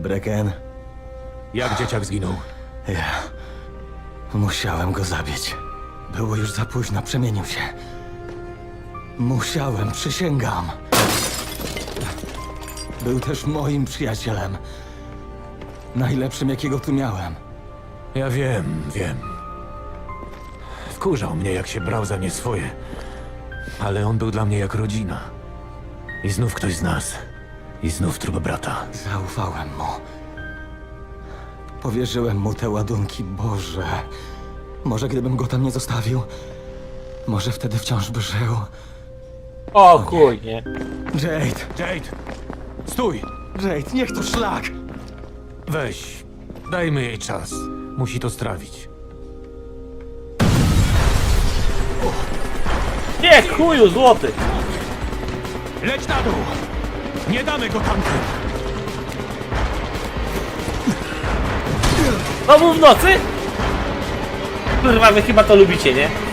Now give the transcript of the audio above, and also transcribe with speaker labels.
Speaker 1: Brecken,
Speaker 2: Jak dzieciak zginął?
Speaker 1: ja musiałem go zabić. Było już za późno, przemienił się. Musiałem, przysięgam. Był też moim przyjacielem. Najlepszym, jakiego tu miałem.
Speaker 2: Ja wiem. Wkurzał mnie, jak się brał za nie swoje. Ale on był dla mnie jak rodzina. I znów ktoś z nas. I znów trup brata.
Speaker 1: Zaufałem mu. Powierzyłem mu te ładunki, Boże. Może gdybym go tam nie zostawił, może wtedy wciąż by żył.
Speaker 3: O chuj, nie?
Speaker 1: Jade!
Speaker 2: Jade! Stój!
Speaker 1: Jade, niech to szlak!
Speaker 2: Weź. Dajmy jej czas. Musi to strawić.
Speaker 3: Nie, chuju, złoty!
Speaker 2: Leć na dół! Nie damy go tamtym!
Speaker 3: Znowu w nocy? Kurwa, wy chyba to lubicie, nie?